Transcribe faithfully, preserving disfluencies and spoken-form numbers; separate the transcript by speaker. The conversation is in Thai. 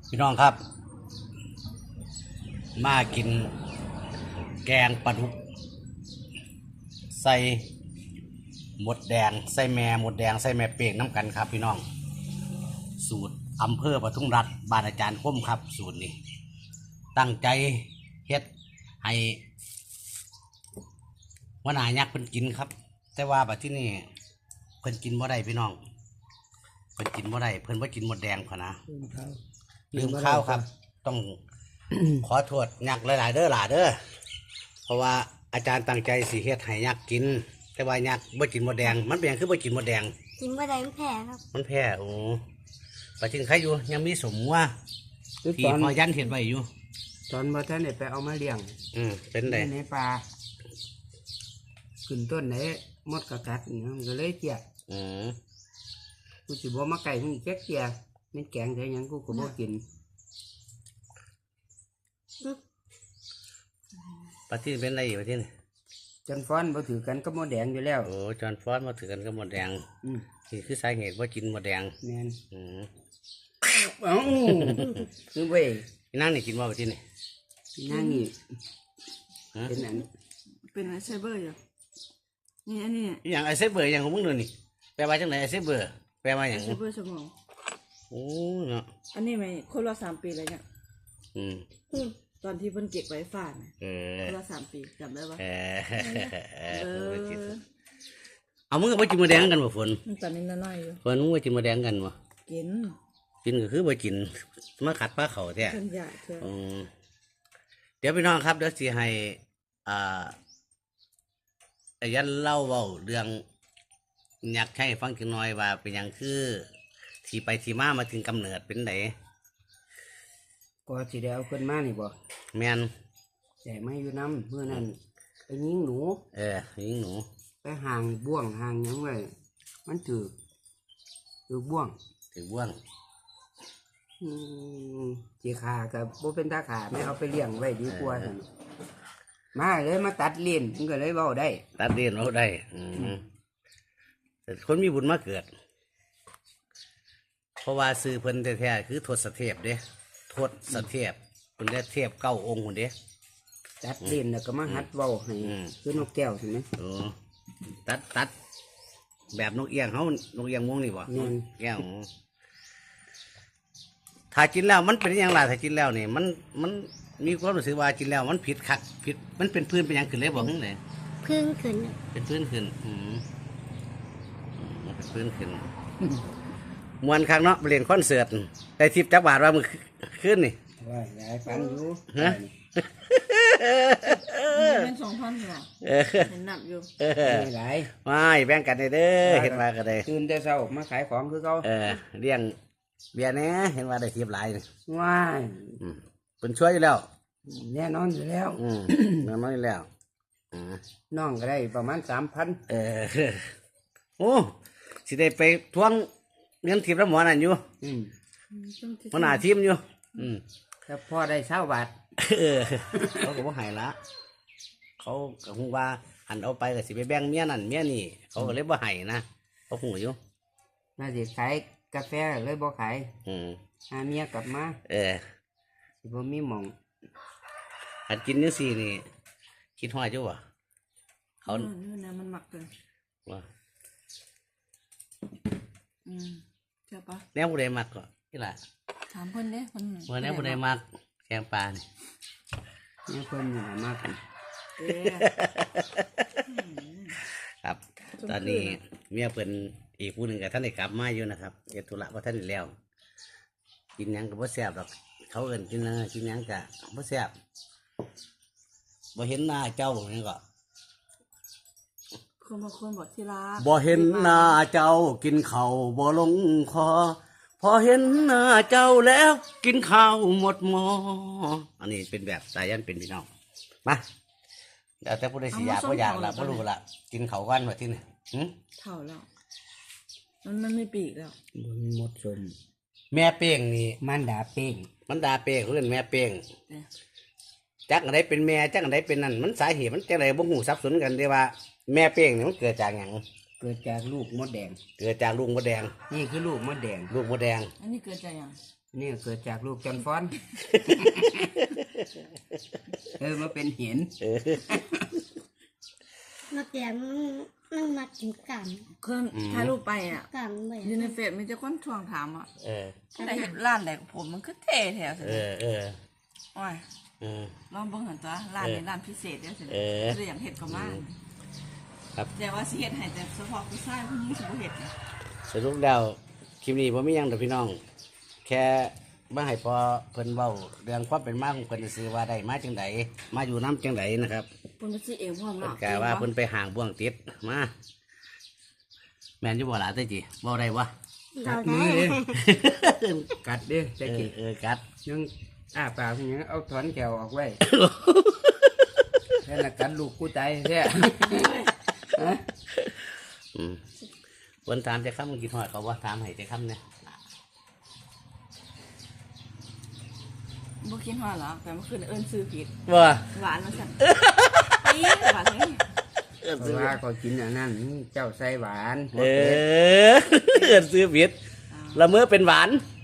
Speaker 1: พี่น้องครับมากินแกงปลาดุกใส่หมดแดงใส่แม่หมดแดงใส่แม่เป่งน้ำกันครับพี่น้องสูตรอำเภอปทุมรัฐบ้านอาจารย์คมครับสูตรนี้ตั้งใจเฮ็ดให้วันหายักษ์เพิ่นกินครับแต่ว่าบัดที่นี่เพิ่นกินบ่ได้พี่น้องเพิ่นกินบ่ได้เพิ่นว่ากินหมดแดงพอนะลืมข้าวครับต้อง ขอโทษยักษ์หลายๆเด้อหล่าเด้อเพราะว่าอาจารย์ตั้งใจสิเฮ็ดให้ยักษ์กินแต่ว่ายักษ์บ่กินหมดแดงมันเป็นหยังคือบ่กินหมดแดง
Speaker 2: กินเมื่อใดมันแพ้ครับ
Speaker 1: มันแพ้โอ้ปัจจุบันใครอยู่ยังมีสมว่าที่พอยันเห็นไว้อยู่
Speaker 3: ตอนบ่ท่านได้ไปเอามาเลี้ยง
Speaker 1: อืมเป็นไง
Speaker 3: ในป่าขึ้นต้นไหนมดกระกัดนี่มันก็เลยเจีย
Speaker 1: อืม
Speaker 3: กูสิบ่มาไก่มึงแจ๊กเจียมันแกงใส่หยังกูก็บ่กิน
Speaker 1: ปัจจุบันเป็นไรอยู่ปัจจุบัน
Speaker 3: จนฟ้อนบ่ถือกันก็มดแดงอยู่แล้ว
Speaker 1: โอ้จอนฟอนมาถือกันกับหมดแดง
Speaker 3: อืม
Speaker 1: นี่คือสาเหตุว่ากินหมดแดง
Speaker 3: แม่น
Speaker 1: อืม
Speaker 3: เอ้าคือเว้ย
Speaker 1: พี่นั่งนี่กินว่าปัจจุบัน
Speaker 3: นั่งนี่
Speaker 1: ฮะ
Speaker 3: เป็นอัน
Speaker 4: เป็นไอเซเบอร์อยู่นี่อันนี้
Speaker 1: อหย่างไอเซเบอร์อย่างของมึงดูนี่แปลว่าจังไหนไอเซเบอร์แปลว่าอ
Speaker 4: ไอย่าง เซเบอร์สมอง
Speaker 1: โอ้เนาะ
Speaker 4: อันนี้ไหมคนละสามปีเลยเนี่ย
Speaker 1: อืม
Speaker 4: ตอนที่เพิ่นเก็บไว้ฝากเนี่ย
Speaker 1: เออ
Speaker 4: คนละสามปีจำได้ปะ
Speaker 1: เออ
Speaker 4: เออ
Speaker 1: เอามึงกับว่ากินหมดแดงกันบ่ฝน
Speaker 4: มันตอนนี้น้อยๆอยู่
Speaker 1: ฝนมึงว่ากินหมดแดงกันบ่
Speaker 4: กิน
Speaker 1: กินก็คือบ่กินมาขัดปลาเขาแท้
Speaker 4: เพิ่นอยากเถอะ
Speaker 1: อืมเดี๋ยวพี่น้องครับเดี๋ยวสิให้อ่าไอ้ยันเล่าเว้าเรื่องอยากให้ฟังจังหน่อยว่าเป็นหยังคือที่ไปที่มามาถึงกำเนิดเป็นไหน
Speaker 3: ก็สิได้เอาขึ้นมานี่บ่
Speaker 1: แม่น
Speaker 3: แต่มาอยู่นำมื้อนั้นไปยิงหนู
Speaker 1: เออยิงหนู
Speaker 3: ไปห่างบ่วงห่างหยังไว้มันถือถือบ่วง
Speaker 1: ถือบ่วง
Speaker 3: อืมจีขากับโบเป็นตาขาไม่เอาไปเลี้ยงไว้ดีกว่าซั่นมาเลยมาตัดเลี้ยนมันก็เลยเว้าได้
Speaker 1: ตัดเรียนเราได้ อืมแต่คนมีบุญมาเกิด เพราะว่าซื้อเพิ่นแท้ๆคือทศเทพเด้ทศเทพเพิ่นได้เทพเก้าองค์คนเด้
Speaker 3: ตัดเลี้ยนแล้วก็มาหัดเว้าให้
Speaker 1: อืม
Speaker 3: คือนกแก้วใช่ไหม
Speaker 1: โอ้ตัดตัดแบบนกเอียงเขานกเอียงม่วงนี่บ่
Speaker 3: แม่น
Speaker 1: เอียงถ้ากินแล้วมันเป็นอยังไงถ้ากินแล้วนี่มันมันมีความรู้สึกว่ากินแล้วมันผิดคักผิดมันเป็นพื้นเป็นหยังขึ้นเลยบอกขึ้นเลย
Speaker 2: พึ่งขึ้น
Speaker 1: เป็นพื้นขึ้นอืมอืมมันเป็นพื้นขึ้นมวนครั้งเนาะไปเล่นคอนเสิร์ตได้ทิปจักบาทว่ามือขึ้นนี่
Speaker 3: ว่ายายฟันอยู่
Speaker 1: ฮะ
Speaker 4: นี่เป็นสองพันเหรอ
Speaker 1: เออ
Speaker 4: เห็นหนักอยู่
Speaker 1: เออ
Speaker 3: ไม่หลาย
Speaker 1: ไม่แบ่งกันได้เด้อเห็นว่ากันได้
Speaker 3: ตื่นแต่เช้ามาขายของคือเขา
Speaker 1: เออเลี้ยงเบียร์แหน่เห็นว่าได้ทิปหลายนี่
Speaker 3: ว้าย
Speaker 1: อืมเป็นช่วยอยู่แล้ว
Speaker 3: แน่นอนอยู่แล้ว
Speaker 1: อืมน้ำน้อยแล้วอืม
Speaker 3: น้องก็ได้ประมาณสามพัน
Speaker 1: เออโอ้สิได้ไปทวงเงินทิปแล้วหมอนั่นอยู่
Speaker 3: อืม
Speaker 1: หมันหาทีมอยู่ อืม
Speaker 3: แต่พ่อได้เช้าบาท
Speaker 1: เออ เขาก็บ่ให้ละ เขาก็คงว่าหันเอาไปก็สิไปแบ่งเมียนั่นเมียนี่ เขาก็เลยบ่ให้นะเขาหูอยู่
Speaker 3: น่าจะขายกาแฟเลยบ่ขาย
Speaker 1: อืม
Speaker 3: หาเมียกลับมา
Speaker 1: เออ
Speaker 3: สิบ่มีหม่อง
Speaker 1: หันกินจังซี่นี่ คิดฮอดอยู่บ่เขา
Speaker 4: เออนี่นะมันหมักเลย
Speaker 1: ว่า
Speaker 4: อืมเจ้าปะ
Speaker 1: แนวผู้ใดมักก็นี่ล่ะ
Speaker 4: ถามเพิ่นเด้เพิ่น
Speaker 1: ว่าแนวผู้ใดมักแกงปลานี่
Speaker 3: เนี่ยเพิ่นนี่ล่ะมากกัน
Speaker 4: เด้
Speaker 1: ครับ ตอนนี้เมียเพิ่นอีกผู้หนึ่งกับท่านได้กลับมาอยู่นะครับเฮ็ดธุระบ่ทันได้แล้ว กินหยังก็บ่แซ่บหรอก เขาเอิ้นกินหยังกินหยังก็บ่แซ่บบ่เห็นหน้าเจ้านี่ก็
Speaker 4: คนบางคนบอกที่รัก
Speaker 1: บ่เห็นหน้าเจ้ากินข้าวบ่ลงคอ พอเห็นหน้าเจ้าแล้วกินข้าวหมดหม้ออันนี้เป็นแบบสายันเป็นพี่น้องมาเดี๋ยวแต่ผู้ใดสิอยากบ่อยากละบ่รู้ละกินข้าวกันว่าที่นี่หึ
Speaker 4: เท่าแล้ว มันมันไม่ปีกแล้ว
Speaker 3: บ่มีหมดสม
Speaker 1: แม่เป้งนี่
Speaker 3: มันดาเป้ง
Speaker 1: มันดาเป้งเขาเรียกแม่เป้ง
Speaker 4: เนี่ย
Speaker 1: จักอันใดเป็นแม่จักอันใดเป็นนั่นมันสาเหตุมันจังไดบ่ฮู้สับสนกันเด้ว่าแม่เป้งนี่มันเกิดจากหยัง
Speaker 3: เกิดจากลูกมดแดง
Speaker 1: เกิดจากลูกมดแดง
Speaker 3: นี่คือลูกมดแดง
Speaker 1: ลูกมดแดง
Speaker 4: อันนี้เกิดจากหยัง
Speaker 3: นี่เกิดจากลูกจอนฟอน เออมาเป็นเห็น
Speaker 2: มาแกงมันมันมากินกัน
Speaker 4: เคยถ่ายรูปไปอ่ะ
Speaker 2: กันเลย
Speaker 4: อยู่ในเฟซมีแต่คนทวงถามอ่ะ
Speaker 1: เออ
Speaker 4: ได้เห็นร้านไหนผมมันคือเท่แถวสิ
Speaker 1: เออเออ
Speaker 4: โอ้ย
Speaker 1: เออ
Speaker 4: ลองเบิ่งหันตัวร้านนี้ร้านพิเศษเด้อสิ
Speaker 1: เออ
Speaker 4: คืออย่างเห็ดก็มาก
Speaker 1: ครับ
Speaker 4: แต่ว่าสิเฮ็ดให้แต่เฉพาะผู้ชายผู้หญิงสิบ่เฮ็ดนะ
Speaker 1: สรุปแล้วคลิปนี้ผมไม่ยังแต่พี่น้อง แค่มาให้พอเพิ่นเว้าเรื่องความเป็นมาของเพิ่นซื้อว่าได้มาจังไดมาอยู่น้ำจังไดนะครับ
Speaker 4: เพิ่นมาสิเองพร้อม
Speaker 1: เพิ่น
Speaker 4: เนาะ
Speaker 1: กะว่าเพิ่นไปห่างบ่วงติดมา แม่นอยู่บ่ล่ะเต้จิเว้าได้บ่
Speaker 2: เรา
Speaker 3: มื
Speaker 2: ได้
Speaker 3: อเด้กัดเด้
Speaker 1: เอ
Speaker 3: จะ
Speaker 1: อ
Speaker 3: กิน
Speaker 1: เออกัด
Speaker 3: ยังอ้าปากยังเอาถอนแก้วออกไว้ แค่ละกัดลูกกูตายแท้
Speaker 1: อืมเพิ่นถามจะคำกินฮอดเขาบ่ถามให้จะคำเนี่ย
Speaker 4: บ่คิดฮอดหรอกแต่เมื่อคืนเอิ้นซื้อผิด
Speaker 1: บ่
Speaker 4: หวานมาสั่นปี๊ดหวานเลย
Speaker 1: เอิ้น
Speaker 3: เพ
Speaker 1: ซื้อ
Speaker 3: ราะว่าก็กินอันนั้นเจ้าใส่หวาน
Speaker 1: เออเอิ้นซื้อผิดละเมื่อเป็นหวาน
Speaker 4: อ